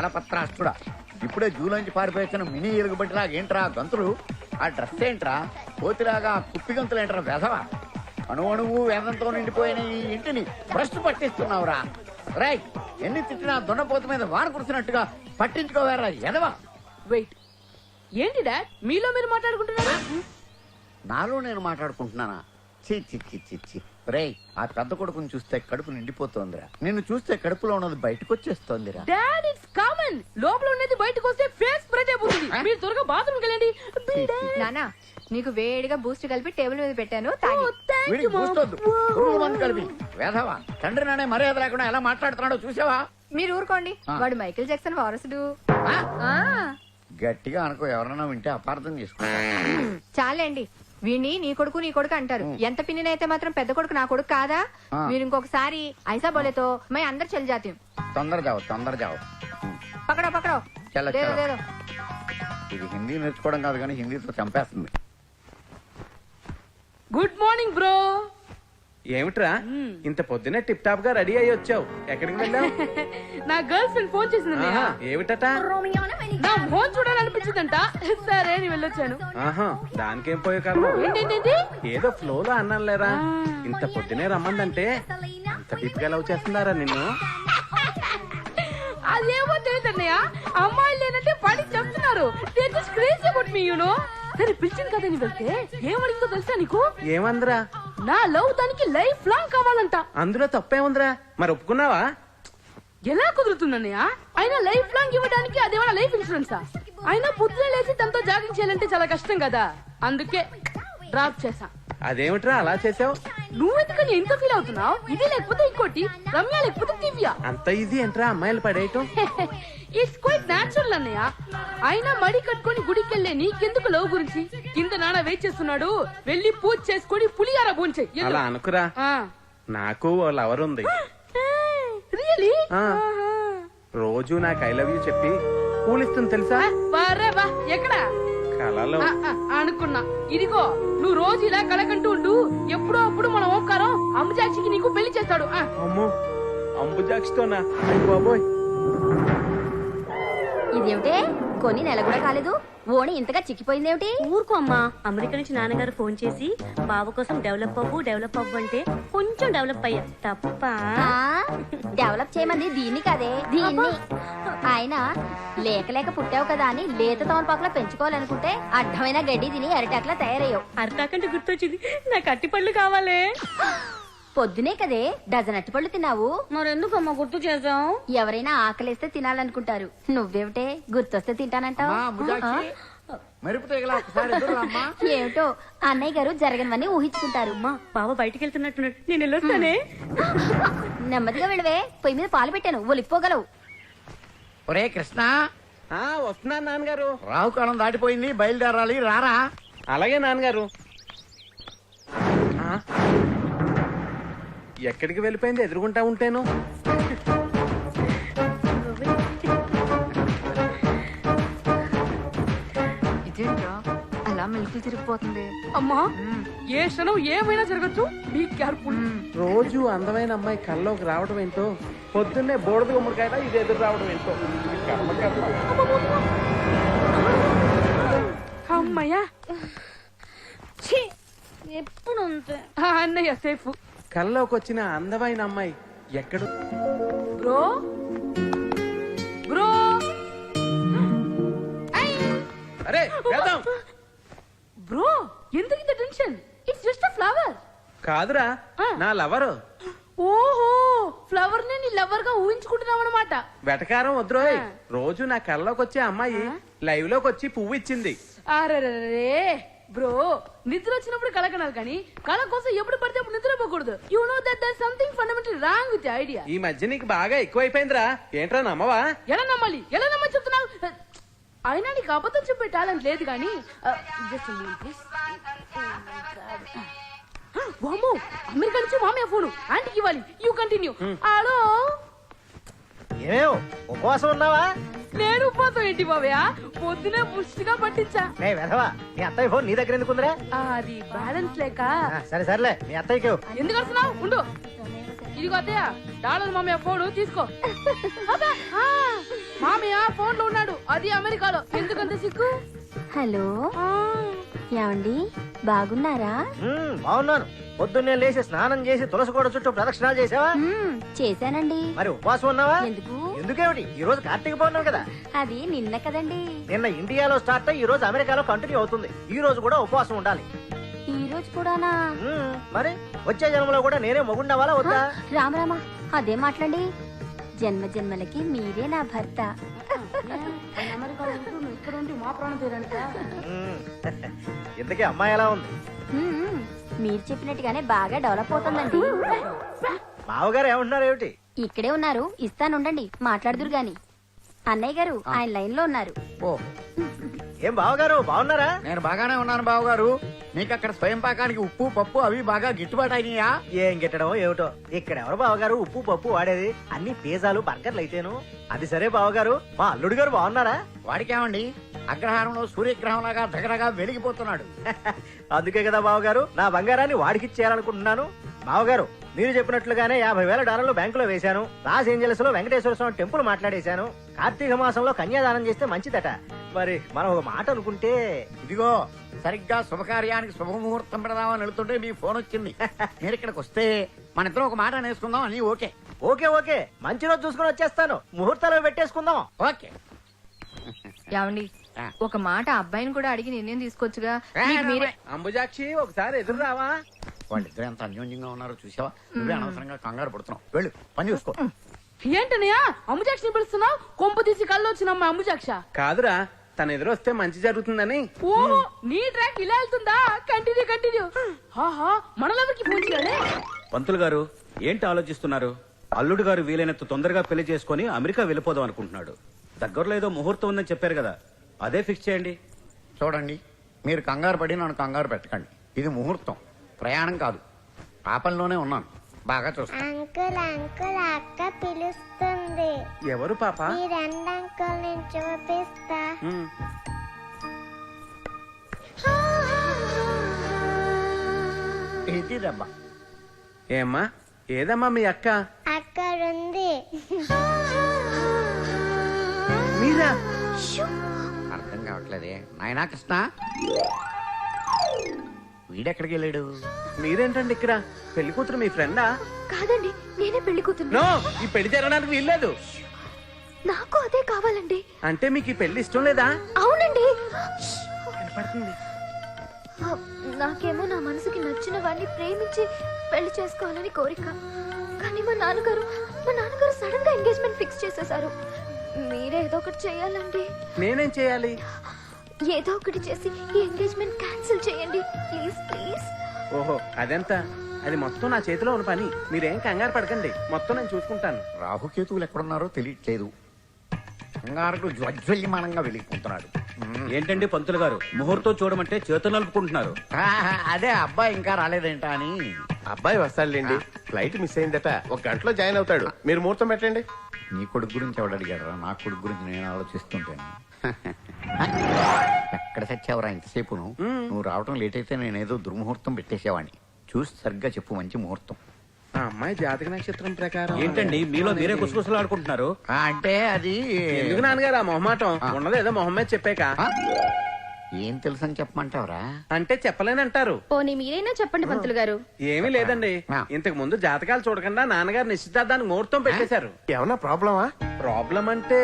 పత్రాష్ట్రుడా, ఇప్పుడే జూలోంచి పారిపోయిన మినీ ఎలుగుబట్టిలాగా ఏంట్రా గంతులు? ఆ డ్రెస్ ఏంట్రా కోతిలాగా కుప్పి గంతులు ఏంట్రా వెధవా? అణువణువు వేదంతో నిండిపోయిన ఈ ఇంటిని భ్రష్టు పట్టిస్తున్నావురా. రైట్, ఎన్ని తిట్టినా దున్నపోతు మీద వాన కురిసినట్టుగా పట్టించుకోవారా ఎదవా? వెయిట్, ఏంటి డాడ్ మీలో మీరు మాట్లాడుకుంటున్నారా? నాలో నేను మాట్లాడుకుంటున్నానా? చి చి చి చి చి. రేయ్, ఆ పెద్ద కొడుకుని చూస్తే కడుపు నిండిపోతోందిరా. నిన్ను చూస్తే కడుపులో ఉన్నది బయటకు వచ్చేస్తోందిరా. డాడ్ ఇట్స్ కామన్, లోపల ఉన్నది బయటకు వస్తే ఫేస్ స్ప్రెడ్ అయిపోతుంది. మీరు త్వరగా బాత్రూమ్కి వెళ్ళండి. నానా, నీకు వేడిగా బూస్ట్ కలిపి టేబుల్ మీద పెట్టాను, తాగి. వీడికి చూస్తొద్దు, పురుగుల మందు కలిపి వేధవా. తండ్రి నానే మర్యాద లేకుండా ఎలా మాట్లాడుతున్నాడో చూసావా? మీరు ఊరుకోండి, వాడు మైకేల్ జాక్సన్ వారసుడు. ఆ గట్టిగా అనుకో, ఎవరన్నా వింటే అపార్థం చేసుకో. చాలండి, వీణ్ణి నీ కొడుకు అంటారు. ఎంత పిన్నినైతే మాత్రం పెద్ద కొడుకు నా కొడుకు కాదా? మీరు ఇంకొకసారి ఐసా బోలేతో మై అందరు చల్ జాతీయం. తొందర జావు పకడో పకడో. ఇది హిందీ నేర్చుకోవడం కాదు కానీ హిందీతో చంపేస్తుంది. Good morning bro. ఏమిట్రా ఇంత పొద్దునే టిప్ టాప్ గా రెడీ అయ్యి వచ్చావు? ఎక్కడికి వెళ్ళావు? నా గర్ల్ ఫ్రెండ్ ఫోన్ చేసింది. ఏమిటట? నా ఫోన్ చూడాలనిపించిందంట, సరే అని వెళ్ళొచ్చాను. దానికేం పోయే కారణం? ఏంటంటే ఏదో ఫ్లో లో అన్నాను లేరా. ఇంత పొద్దునే రమ్మందంటే అంత డీప్ గా లవ్ చేస్తున్నారా నిన్ను? అదేమో తెలియదన్నయ్య, అమ్మాయిలు లేనంటే పడి చెప్తున్నారు. సరే పిలిచింది కదా నీ వెళ్తే ఏమడిగిందో తెలుసా నీకు? ఏమందిరా? నా లవ్ దానికి లైఫ్ లాంగ్ కావాలంట. అందులో తప్పేముందిరా? మరి ఒప్పుకున్నావా? ఎలా కుదురుతుందన్నయ్య? అయినా లైఫ్ లాంగ్ ఇవ్వడానికి అదేమన్నా లైఫ్ ఇన్సూరెన్సా? అయినా పొద్దున లేచి తనతో జాగింగ్ చేయాలంటే చాలా కష్టం కదా, అందుకే డ్రాప్ చేసా. అదేమిట్రా అలా చేసావు? నువ్వెందుకని ఎంత ఫీల్ అవుతున్నావు? ఇది లేకపోతే ఇంకోటి, రమ్య లేకపోతే దివ్య. అంత ఈజీ ఏంట్రా అమ్మాయిలు పడేయటం? ఇట్స్ క్వైట్ న్యాచురల్ అన్నయ్య. అయినా మడి కట్టుకొని గుడికి వెళ్ళే నీకెందుకు లవ్ గురించి? కింద నాన్న వెయిట్ చేస్తున్నాడు, వెళ్ళి పూజ చేసుకొని పులిహార భోంచేయ్. అలా అనుకురా, నాకు ఓ లవర్ ఉంది. రియలీ? రోజు నాకు ఐ లవ్ యూ చెప్పి పూలిస్తుంది తెలుసా? ఎక్కడ? కళలో. అనుకున్నా. ఇదిగో నువ్వు రోజు ఇలా కలకంటూ ఉండు, ఎప్పుడో అప్పుడు మన ఓంకారం అంబుజాక్షికి నీకు పెళ్లి చేస్తాడు. అమ్మో, అంబుజాక్షితోనా? బాబోయ్. ఇదేమిటే కొన్ని నెల కూడా కాలేదు, ఓణి ఇంతగా చిక్కిపోయిందేమిటి? ఊరుకో అమ్మా, అమెరికా నుంచి నాన్నగారు ఫోన్ చేసి బాబు కోసం డెవలప్ అవ్వు అంటే కొంచెం డెవలప్ అయ్యా తప్ప. డెవలప్ చేయమంది దీన్ని కదే, దీన్ని. ఆయన లేక పుట్టావు కదా అని లేత తమలపాకులా పెంచుకోవాలనుకుంటే అడ్డమైన గడ్డి తిని అరిటాకులా తయారయ్యావు. అరిటాకంటే గుర్తొచ్చింది, నాకు అట్టిపళ్ళు కావాలే. పొద్దునే కదే డజన్ అట్టిపళ్ళు తిన్నావు. మరెందుకమ్మా గుర్తు చేసావు? ఎవరైనా ఆకలేస్తే తినాలనుకుంటారు, నువ్వేమిటే గుర్తొస్తే తింటానంటావు. ఏమిటో అన్నయ్య గారు జరగనివన్నీ ఊహించుకుంటారు. అమ్మా, బావ బయటికి వెళ్తున్నట్టున్నాడు, నేను వెళ్ళొస్తానే. నెమ్మదిగా వెళ్ళవే, పొయ్యి మీద పాలు పెట్టాను, ఒలిపోగలవు. ఒరే కృష్ణ. వస్తున్నా నాన్నగారు. రాహుకాలం దాటిపోయింది, బయలుదేరాలి, రారా. అలాగే నాన్నగారు. ఎక్కడికి వెళ్ళిపోయింది ఎదురుకుంటా ఉంటేను? ఇదేంట్రా అలా మెలుకులు తిరిగిపోతుంది? అమ్మా, ఏ క్షణం ఏమైనా జరగచ్చు, బీ కేర్ఫుల్. రోజు అందమైన అమ్మాయి కల్లోకి రావడం ఏంటో, పొద్దున్నే బోడద గుమ్మడికాయ ఇది ఎదురు రావడం ఏంటో. అమ్మయ్యా, ఎప్పుడు అన్నయ్య సేఫ్. కల్లోకి వచ్చిన అందమైన అమ్మాయి ఎక్కడ? Bro bro. అరే వెళ్దాం. బ్రో ఎందుకు ఇంత tension? It's just a flower. కాదురా, నా లవరు. ఓహో, ఫ్లవర్ ని నీ లవర్ గా ఊహించుకుంటున్నావు అనమాట. వెటకారం వద్రోయ్. రోజు నా కల్లోకి వచ్చే అమ్మాయి లైవ్ లోకి వచ్చి పువ్వు ఇచ్చింది. అరే బ్రో, నిద్ర వచ్చినప్పుడు కళ కనాలి కానీ కళ కోసం ఎప్పుడు పడితే అప్పుడు నిద్రపోకూడదు. You know that there something fundamental wrong with idea. ఈ మధ్య నీకు బాగా ఎక్కువైపోయిందిరా. ఏంట్రా నమ్మవా? ఎలా నమ్మాలి చెప్తున్నావు? అయినా నీకు అబద్ధం చెప్పే టాలెంట్ లేదు కానీ. అమెరికా నుంచి మామయ్య ఫోను, ఆంటీకి ఇవ్వాలి. You continue. హలో, ఏమేవ్ ఉపవాసం ఉన్నావా? నేను ఉపవాసం ఏంటి బాబయ్య, పొద్దునే పుష్టిగా పట్టించా. నీ అత్తయ్య ఫోన్ నీ దగ్గర ఎందుకుందిరా? అది బ్యాలెన్స్ లేక. సరే సర్లే, మీ అత్తయ్యకి ఎందుకు వస్తున్నావు? ఉండు. ఇదిగో అత్తయ్య, డాలర్ మామయ్య ఫోను తీసుకో. మామయ్య ఫోన్ లో ఉన్నాడు, అది అమెరికాలో. ఎందుకంత సిగ్గు? హలో ఆ, ఏమండి బాగున్నారా? బాగున్నాను. పొద్దున్నే లేచి స్నానం చేసి తులసి కోట చుట్టూ ప్రదక్షిణాలు చేసావా? చేశానండి. మరి ఉపవాసం ఉన్నావా? ఎందుకు? ఎందుకేమిటి? ఈ రోజు కార్తీక పౌర్ణమి కదా. అది నిన్న కదండి. నిన్న ఇండియాలో స్టార్ట్ అయ్యి ఈ రోజు అమెరికాలో కంటిన్యూ అవుతుంది. ఈ రోజు కూడా ఉపవాసం ఉండాలి. ఈ రోజు కూడానా? మరి వచ్చే జన్మలో కూడా నేనే మొగుండవాలా వద్దా? రామరామా అదే మాట్లాడి. జన్మ జన్మలకి మీరే నా భర్త. ఆయన అమెరికాలో ఉంటూ నువ్వు ఇక్కడ ఉండి మా ప్రాణం తీరానికా? ఇంతకీ అమ్మాయి ఎలా ఉంది? మ్మ్. మీరు చెప్పినట్టుగానే బాగా డెవలప్ అవుతుందండి. మావగారు ఏమంటున్నారు ఏమిటి? ఇక్కడే ఉన్నారు, ఇస్తానుండండి, మాట్లాడుదురు గాని. అన్నయ్య గారు ఆయన లైన్ లో ఉన్నారు. ఓ, ఏం బావగారు బాగున్నారా? నేను బాగానే ఉన్నాను బావగారు. మీకు అక్కడ స్వయం పాకానికి ఉప్పు పప్పు అవి బాగా గిట్టుబాటు అయినాయా? ఏం గిట్టడం ఏమిటో. ఇక్కడ ఎవరు బావగారు ఉప్పు పప్పు వాడేది? అన్ని పిజ్జాలు బర్గర్లు అయితేను. అది సరే బావగారు, మా అల్లుడు గారు బాగున్నారా? వాడికేమండి, అగ్రహారంలో సూర్యగ్రహం లాగా దగ్గరగా వెలిగిపోతున్నాడు. అందుకే కదా బావగారు నా బంగారాన్ని వాడికిచ్చేయాలనుకుంటున్నాను. బావగారు మీరు చెప్పినట్లుగానే $50,000 బ్యాంకులో వేశాను. లాస్ ఏంజల్స్ లో వెంకటేశ్వర స్వామి టెంపుల్ మాట్లాడేశాను. కార్తీక మాసంలో కన్యాదానం చేస్తే మంచిదట. మరి మనం ఒక మాట అనుకుంటే. ఇదిగో సరిగ్గా శుభకార్యానికి శుభముహూర్తం పెడదామని వెళ్తుంటే మీ ఫోన్ వచ్చింది. మీరు ఇక్కడికి వస్తే మన ఇద్దరం ఒక మాట అనేసుకుందాం. అని ఓకే? ఓకే ఓకే, మంచి రోజు చూసుకుని వచ్చేస్తాను. ముహూర్తాలు పెట్టేసుకుందాం. ఓకే. ఏమండి ఒక మాట అబ్బాయిని కూడా అడిగి నిర్ణయం తీసుకోవచ్చుగా. మీకు మీరే అంబుజాక్షి ఒకసారి ఎదురు రావా? వాళ్ళిద్దరు ఎంత అన్యోన్యంగా ఉన్నారో చూసావా? నువ్వే అనవసరంగా కంగారు పడుతున్నావు. వెళ్ళు, పని చూసుకో. ఏంటనయ్యా అమ్ముజాక్షని పిలుస్తున్నావు? కొంప తీసి కళ్ళు వచ్చిన అమ్మాయి అమ్ముజాక్ష? కాదురా, తన ఎదురు వస్తే మంచి జరుగుతుందని. ఓ, నీ ట్రాక్ ఇలా వెళ్తుందా? Continue continue. ఆహా, మనలెవరికి ఫోన్ చేయాలి? పంతులు గారు ఏంటి ఆలోచిస్తున్నారు? అల్లుడు గారు వీలైనంత తొందరగా పెళ్లి చేసుకుని అమెరికా వెళ్ళిపోదాం అనుకుంటున్నాడు. దగ్గరలో ఏదో ముహూర్తం ఉందని చెప్పారు కదా, అదే ఫిక్స్ చేయండి. చూడండి, మీరు కంగారు పడి నన్ను కంగారు పెట్టకండి. ఇది ముహూర్తం, ప్రయాణం కాదు. పాపంలోనే ఉన్నాను. బాగా చూస్తాను. అంకుల్ అంకుల్ అక్క పిలుస్తుంది. ఎవరు పాప? ఈ రెండు అంకుల్ నేను చూపిస్తా. ఇది దెబ్బ. ఏమ్మా, ఏదమ్మా మీ అక్క? అక్కడుంది. మీరా? అర్థం కావట్లేదే నాయనా కృష్ణ. వీడెక్కడికి వెళ్ళాడు? మీరేంటండి ఇక్కడ? పెళ్లి కూతురు మీ ఫ్రెండా? కాదండి, నేనే పెళ్లి కూతురు. నో, ఈ పెళ్లి జరగడానికి వీల్లేదు. నాకు అదే కావాలండి. అంటే మీకు ఈ పెళ్లి ఇష్టం లేదా? అవునండి. కనపడుతుంది. నాకేమో నా మనసుకి నచ్చిన వాడిని ప్రేమించి పెళ్లి చేసుకోవాలని కోరిక. కానీ మా నాన్నగారు సడన్ గా ఎంగేజ్మెంట్ ఫిక్స్ చేసేశారు. మీరే ఏదో ఒకటి చేయాలండి. నేనేం చేయాలి? ఏదో ఒకటి చేసి ఈ ఎంగేజ్మెంట్ క్యాన్సిల్ చేయండి ప్లీజ్ ప్లీజ్. ఓహో, అదెంత? అది మొత్తం నా చేతిలో ఉన్న పని. మీరేం కంగారు పడకండి, మొత్తం నేను చూసుకుంటాను. రాహుకేతువులు ఎక్కడున్నారో తెలియట్లేదు. కంగారుకు జ్వజ్వల్యమానంగా వెలిగిపోతున్నాడు. ఏంటండి పంతులు గారు, ముహూర్తం చూడమంటే చేతులు నలుపుకుంటున్నారు. అదే అబ్బాయి ఇంకా రాలేదేంటా అని. అబ్బాయి వస్తాడులేండి, ఫ్లైట్ మిస్ అయిందట, 1 గంటలో జాయిన్ అవుతాడు. మీరు ముహూర్తం పెట్టండి. నీ కొడుకు గురించి ఎవడు అడిగాడరా? నా కొడుకు గురించి నేను ఆలోచిస్తుంటాను. ఎక్కడ చచ్చావురా ఇంతసేపు? నువ్వు రావటం లేట్ అయితే నేనేదో దుర్ముహూర్తం పెట్టేసేవాడిని. చూసి సరిగ్గా చెప్పు, మంచి ముహూర్తం. ఆ అమ్మాయి జాతక నక్షత్రం ప్రకారం. ఏంటండి మీలో మీరే కుసకుసలు ఆడుకుంటున్నారు? అంటే అది ఎందుకు నాన్నగారు ఆ మొహమాటం? ఉన్నది ఏదో మొహమ్మద్ చెప్పాక. ఏం తెలుసని చెప్పమంటావురా? అంటే చెప్పలేనంటారు. పోనీ మీరైనా చెప్పండి పంతులు గారు. ఏమీ లేదండి, ఇంతకు ముందు జాతకాలు చూడకుండా నాన్నగారు నిశ్చితార్థానికి ముహూర్తం పెట్టేశారు. ఏమన్నా ప్రాబ్లమా? ప్రాబ్లం అంటే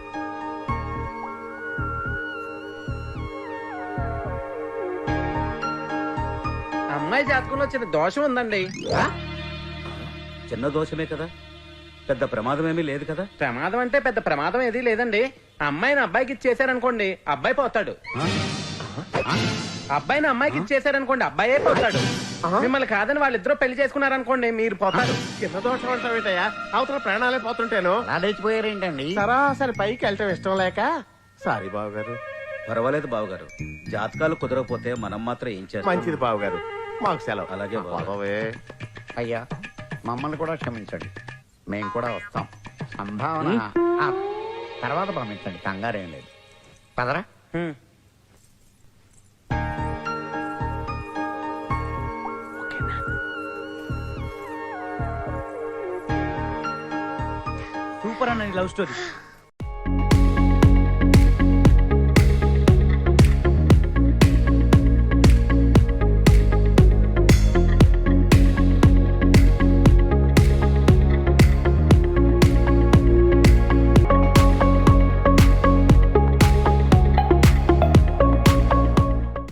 అమ్మాయి జాతకంలో చిన్న దోషం ఉందండి. చిన్న దోషమే కదా, పెద్ద ప్రమాదమేమీ లేదు కదా. ప్రమాదం అంటే పెద్ద ప్రమాదం ఏది లేదండి. అమ్మాయిని అబ్బాయికి ఇచ్చేసారనుకోండి, అబ్బాయి పోతాడు. అబ్బాయిని అమ్మాయికి ఇచ్చేసారనుకోండి, అబ్బాయే పోతాడు. మిమ్మల్ని కాదని వాళ్ళిద్దరూ పెళ్లి చేసుకున్నారనుకోండి, మీరు పోతారు. చిన్న దోషం అంటావేటయ్యా? అవతల ప్రాణాలే పోతుంటేను. అలా లేచిపోయారేంటండి? సరాసరి పైకి వెళ్ళటం ఇష్టం లేక. సారీ బావగారు. పర్వాలేదు బావగారు, జాతకాలు కుదరకపోతే మనం మాత్రం ఏం చేస్తాం. మంచిది బావగారు, మాకు సెలవు. అలాగే బావగారు. అయ్యా, మమ్మల్ని కూడా క్షమించండి, మేము కూడా వస్తాం. సంభావన తర్వాత పంపించండి, కంగారేం లేదు. పదరా. సూపర్ అన్న లవ్ స్టోరీ.